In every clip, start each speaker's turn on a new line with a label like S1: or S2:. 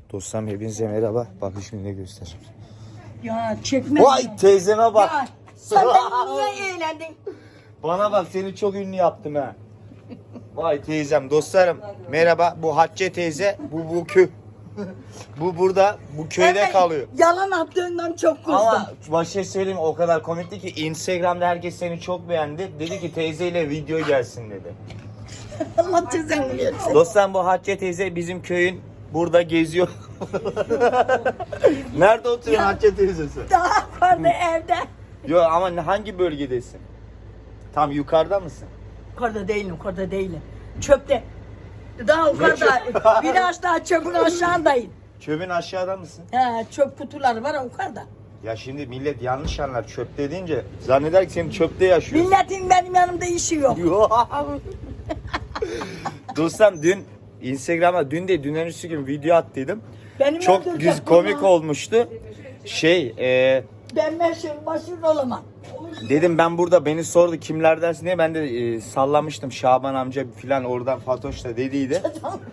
S1: Dostlarım hepinize merhaba. Bakın şimdi ne göstereceğim.
S2: Ya çekme.
S1: Vay teyzeme bak.
S2: Ya sen beni niye eğlendin?
S1: Bana bak seni çok ünlü yaptım ha. Vay teyzem dostlarım merhaba. Bu Hatice teyze. Bu bu burada bu köyde
S2: Evet,
S1: kalıyor.
S2: Yalan attığından çok kızdım.
S1: Ama başka söyleyeyim o kadar komikti ki Instagram'da herkes seni çok beğendi. Dedi ki teyzeyle video gelsin dedi.
S2: Allah cezanı versin.
S1: Dostlarım bu Hatice teyze bizim köyün burada geziyor. Nerede oturuyor Hatice teyzesi?
S2: Daha vardı evde.
S1: Yok ama hangi bölgedesin? Tam yukarıda mısın?
S2: Yukarıda değilim. Çöpte. Daha yukarıda. Biraz daha çöpün aşağındayım.
S1: Çöpün aşağıda mısın?
S2: He, çöp kutuları var yukarıda.
S1: Ya şimdi millet yanlış anlar çöpte deyince zanneder ki senin çöpte yaşıyorsun.
S2: Milletin benim yanımda işi yok.
S1: Dostum dün Instagram'a dünden üstü gün video attıydım.
S2: Benim
S1: Çok
S2: öldürecek
S1: komik
S2: bunlar.
S1: olmuştu.
S2: Ben başarılı olamam.
S1: Dedim ben burada beni sordu kimlerdensin diye ben de sallamıştım Şaban amca filan oradan Fatoş da dediydi.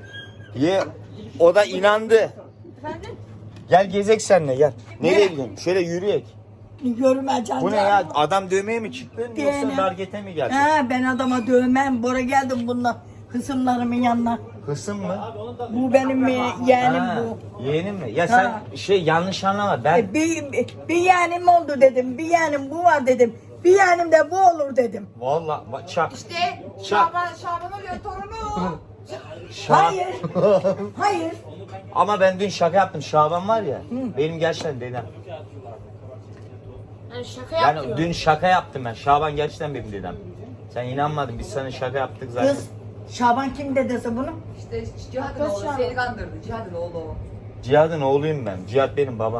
S1: O da inandı.
S2: Efendim?
S1: Gel gezek seninle gel. Nereye
S2: Nereye?
S1: gidelim? Şöyle yürüyek.
S2: Görmeyeceğim.
S1: Bu ne ya? Adam dövmeye mi çıktın
S2: Değilim.
S1: yoksa dargete mi geldin?
S2: He, ben adama dövmem. Bora geldim bununla kısımlarımın yanına.
S1: Hısım mı?
S2: Bu benim yeğenim
S1: Ha,
S2: bu.
S1: yeğenin mi? Ya sen
S2: Ha.
S1: yanlış anlama ben
S2: Bir yeğenim oldu dedim. Bir yeğenim bu var dedim. Bir yeğenim de bu olur dedim.
S1: vallahi çak.
S3: İşte Şaban oluyor torunu.
S2: Hayır. Hayır.
S1: Ama ben dün şaka yaptım. Şaban var ya. Benim gerçekten dedem.
S3: Yani şaka
S1: Yani
S3: yapıyor.
S1: dün şaka yaptım ben. Şaban gerçekten benim dedem. Sen inanmadın. Biz sana şaka yaptık zaten.
S2: Kız Şaban kim dedesi bunu?
S4: İşte Cihat'ın oğlu seni kandırdı. Cihat'ın oğlu o.
S1: Cihat'ın oğluyum ben. Cihat benim babam.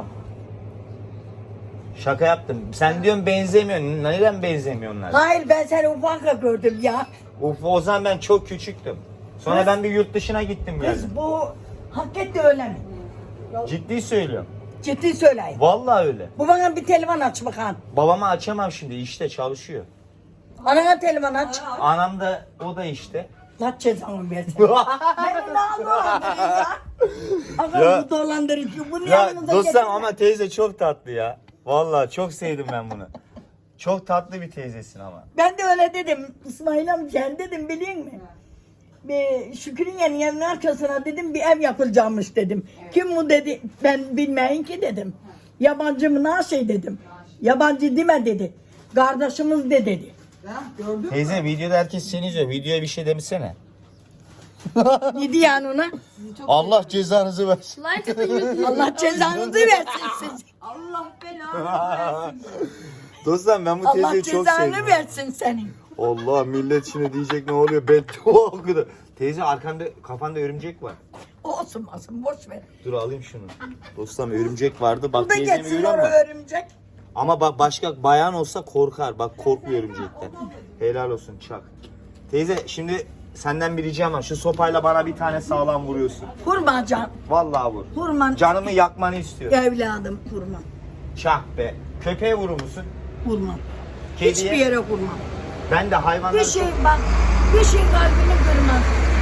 S1: Şaka yaptım. Sen diyorsun benzemiyorsun. Neden benzemiyorlar?
S2: Hayır ben seni ufakla gördüm ya.
S1: O zaman ben çok küçüktüm. Sonra ben bir yurt dışına gittim geldim.
S2: Kız bu hakikaten öyle mi?
S1: Ciddi söylüyorum.
S2: Ciddi söyleyeyim.
S1: Vallahi öyle.
S2: Bu bana bir telefon aç bakalım.
S1: Babama açamam şimdi. İşte çalışıyor.
S2: Anana telefon aç.
S1: Anam da o da işte.
S2: La cezanı versin. Beni ne dolandırıyor ya? Aga bu dolandırıcı. Bunu
S1: Ya
S2: yanınıza
S1: dostum
S2: getirin.
S1: ama teyze çok tatlı ya. Vallahi çok sevdim ben bunu. Çok tatlı bir teyzesin ama.
S2: Ben de öyle dedim. İsmail amca dedim biliyor musun? Bir Şükrü'nün yanının arkasına dedim bir ev yapılacakmış dedim. Kim bu dedi ben bilmeyin ki dedim. Yabancı mı ne şey dedim. Yabancı deme dedi. Kardeşimiz de dedi.
S1: Teyze videoda herkes seni izliyor. Videoya bir şey demişsene.
S2: Ne diyor yani ona?
S1: Allah cezanızı versin.
S3: Like atın YouTube.
S2: Allah cezanızı versin siz.
S4: Allah belanı.
S1: Dostum ben bu
S2: Allah
S1: teyzeyi çok sevdim.
S2: cezanı versin senin.
S1: Allah millet şimdi diyecek ne oluyor ben o kadar. Teyze arkanda kafanda örümcek var.
S2: Olsun boş ver.
S1: Dur alayım şunu. Dostum örümcek vardı bak
S2: Bu da
S1: teyzemi
S2: geçsin
S1: görüyor musun?
S2: oraya örümcek.
S1: Ama bak başka bayan olsa korkar. Bak korkmuyor örümcekten. Helal olsun çak. Teyze şimdi senden bir ricam var. Şu sopayla bana bir tane sağlam vuruyorsun.
S2: Vurma can.
S1: Vallahi vur.
S2: Vurma.
S1: Canımı yakmanı istiyorum.
S2: Evladım vurma.
S1: Çak be. Köpeğe vurur musun?
S2: Vurma.
S1: Kediye?
S2: Hiçbir yere vurma.
S1: Ben de hayvanlar
S2: Bir şey bak. Bir şey kalbini kırmaz.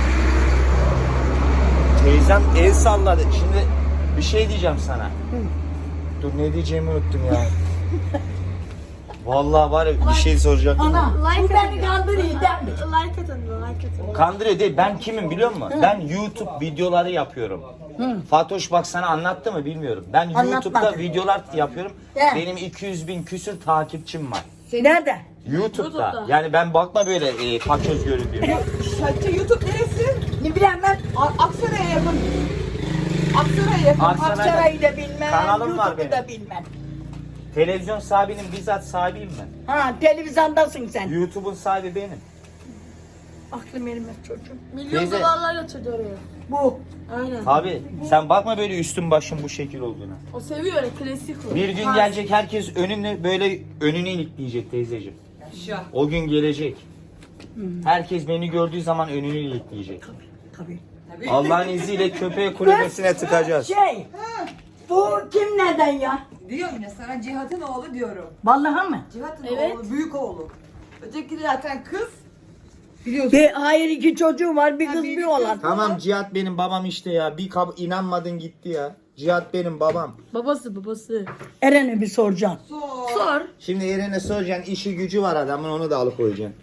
S1: Teyzem el salladı. Şimdi bir şey diyeceğim sana. Dur ne diyeceğimi unuttum ya. Vallahi var ya bir şey soracaktım.
S2: Ana bu
S3: Like
S2: beni kandırıyor değil mi?
S3: Like atın. Like atın.
S1: Kandırıyor değil. Ben kimim biliyor musun? Ben YouTube videoları yapıyorum. Fatoş bak sana anlattı mı bilmiyorum. Ben YouTube'da
S2: Anlatmadı.
S1: videolar yapıyorum.
S2: He.
S1: Benim 200.000 küsür takipçim var.
S2: Nerede?
S1: YouTube'da. Yani ben bakma böyle paçoz göründüğüm.
S4: YouTube neresi?
S2: Ne bileyim ben.
S4: Aksaray'a yakın. Aksaray'a yakın.
S1: Aksaray'da
S2: Aksaray'ı da bilmem.
S1: kanalım var
S2: YouTube'u da
S1: benim.
S2: bilmem.
S1: Televizyon sahibinin bizzat sahibiyim ben.
S2: Ha televizyondasın sen.
S1: YouTube'un sahibi benim.
S2: Aklım elime çocuğum.
S3: Milyon
S1: Teyze.
S3: dolarlar yatırdı oraya.
S2: Bu.
S3: Aynen.
S1: Abi sen bakma böyle üstün başın bu şekil olduğuna.
S3: O seviyor öyle klasik o.
S1: Bir gün gelecek herkes önünü böyle önünü ilikleyecek teyzeciğim.
S4: Şah.
S1: O gün gelecek. Herkes beni gördüğü zaman önünü ilikleyecek.
S2: Tabii.
S1: Allah'ın izniyle köpeğe kulübesine tıkacağız.
S2: Şey. Bu kim neden ya?
S4: Diyorum ya sana Cihat'ın oğlu diyorum.
S2: Vallahi mı?
S4: Cihat'ın
S3: Evet.
S4: oğlu, büyük oğlu. Öteki zaten kız. Biliyorsun.
S2: Hayır, 2 çocuğu var, bir kız bir oğlan.
S1: Tamam Cihat benim babam işte ya. Bir inanmadın gitti ya. Cihat benim babam.
S3: Babası.
S2: Eren'e bir soracağım.
S3: Sor.
S1: Şimdi Eren'e soracaksın işi gücü var adamın onu da alıkoyacaksın.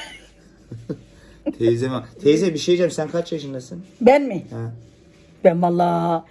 S1: Teyze bir şey diyeceğim sen kaç yaşındasın?
S2: Ben mi?
S1: Ha.
S2: Ben valla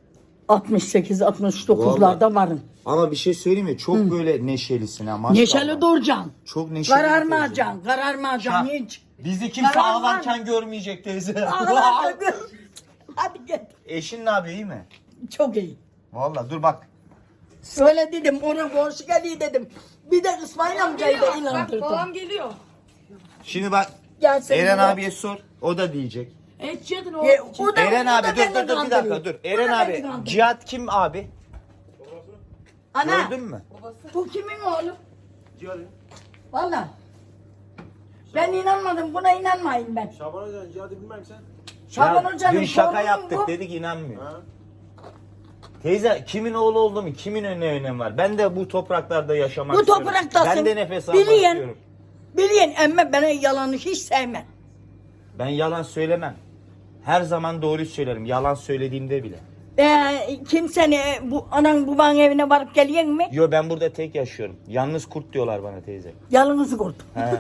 S2: 68-69'larda varım.
S1: Ama bir şey söyleyeyim mi? Çok böyle neşelisin ha maşallah.
S2: Neşeli duracaksın.
S1: Çok neşeli.
S2: Kararmayacaksın, kararmayacaksın hiç.
S1: Bizi kimse
S2: Karar
S1: ağlarken görmeyecek teyze.
S2: Ağlayacaksın. Hadi gel.
S1: Eşin ne yapıyor iyi mi?
S2: Çok iyi.
S1: Vallahi dur bak.
S2: Öyle dedim, ona komşu geliyor dedim. Bir de İsmail amcayı da
S3: Bak
S2: inandırdım.
S3: babam geliyor.
S1: Şimdi bak
S2: Gelsin
S1: Eren
S2: buraya.
S1: abiye sor. O da diyecek.
S3: Evet Cihat'ın oğlu.
S2: O da-
S1: Eren
S2: o da
S1: abi
S2: beni
S1: dur bir
S2: kandırıyor.
S1: dakika dur.
S2: O da
S1: Eren
S2: beni
S1: abi
S2: kandırıyor.
S1: Cihat kim abi?
S2: Ana,
S1: Gördün mü?
S2: bu kimin oğlu? Valla. Ben inanmadım, buna inanmayın ben.
S5: Şaban Hoca'nın cihadı bilmem sen.
S2: Şaban
S1: Ya,
S2: Hoca'nın
S1: dün şaka
S2: torunu
S1: yaptık
S2: bu.
S1: dedik inanmıyor.
S5: Ha?
S1: Teyze kimin oğlu oldu mu? Kimin önemi var? Ben de bu topraklarda yaşamak
S2: Bu
S1: istiyorum.
S2: topraktasın.
S1: Ben de nefes almak
S2: Biliyen,
S1: istiyorum.
S2: biliyen emme bana yalanı hiç sevmem.
S1: Ben yalan söylemem. Her zaman doğruyu söylerim. Yalan söylediğimde bile.
S2: Kimseni bu anan babanın evine varıp geliyen mi?
S1: Yo ben burada tek yaşıyorum. Yalnız kurt diyorlar bana teyze.
S2: Yalnızı kurt.
S1: He.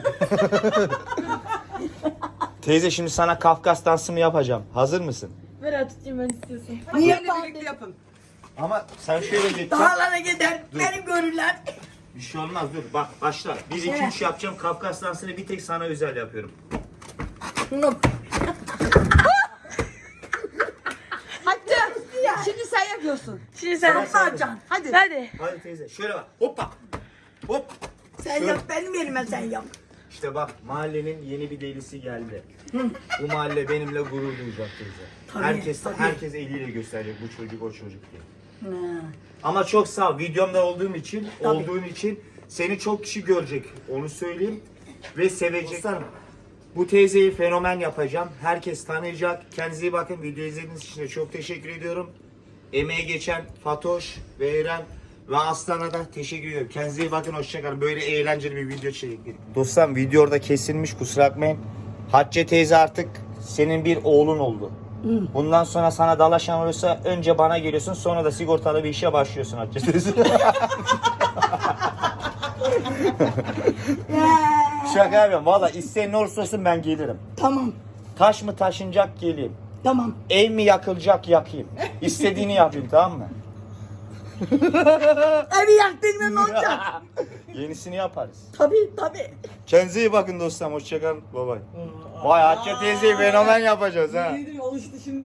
S1: Teyze şimdi sana Kafkas dansımı yapacağım. Hazır mısın?
S3: Ver tutayım ben istiyorsan.
S2: Niye
S4: Benimle birlikte yapın.
S1: Ama sen şöyle gideceksin.
S2: Dağlara gider, beni görürler.
S1: Bir şey olmaz dur bak başla. 1 2 3 yapacağım. Kafkas dansını bir tek sana özel yapıyorum.
S4: Hatta şimdi sen yapıyorsun.
S3: Şimdi sen
S2: Yapacaksın.
S4: Hadi.
S3: Hadi.
S1: Hadi teyze şöyle bak. Hoppa. Hop.
S2: Sen yap, benim yerime sen yap.
S1: İşte bak mahallenin yeni bir delisi geldi. Bu mahalle benimle gurur duyacak teyze. Herkes eliyle gösterecek bu çocuk o çocuk diye. Ama çok sağ ol. Videomda olduğun için seni çok kişi görecek. Onu söyleyeyim ve sevecek. Bu teyzeyi fenomen yapacağım. Herkes tanıyacak. Kendinize iyi bakın. Video izlediğiniz için de çok teşekkür ediyorum. Emeği geçen Fatoş ve Eren ve Aslan'a da teşekkür ediyorum. Kendinize iyi bakın. Hoşçakalın. Böyle eğlenceli bir video çekin. Dostlarım video orada kesilmiş. Kusura bakmayın. Hatice teyze artık senin bir oğlun oldu. Bundan sonra sana dalaşan olursa önce bana geliyorsun, sonra da sigortalı bir işe başlıyorsun Hatice teyze. Şaka yapıyorum. Valla isteyen ne olursa olsun ben gelirim.
S2: Tamam,
S1: Taş mı taşınacak geleyim.
S2: tamam.
S1: Ev mi yakılacak yakayım. İstediğini yapayım tamam mı?
S2: Evi yaktın mı ne olacak?
S1: Yenisini yaparız.
S2: Tabii.
S1: Kendinize iyi bakın dostlarım. Hoşçakalın. Bye bye. Vay Hatice teyzeyi fenomen yapacağız ha.
S4: Alıştı şimdi.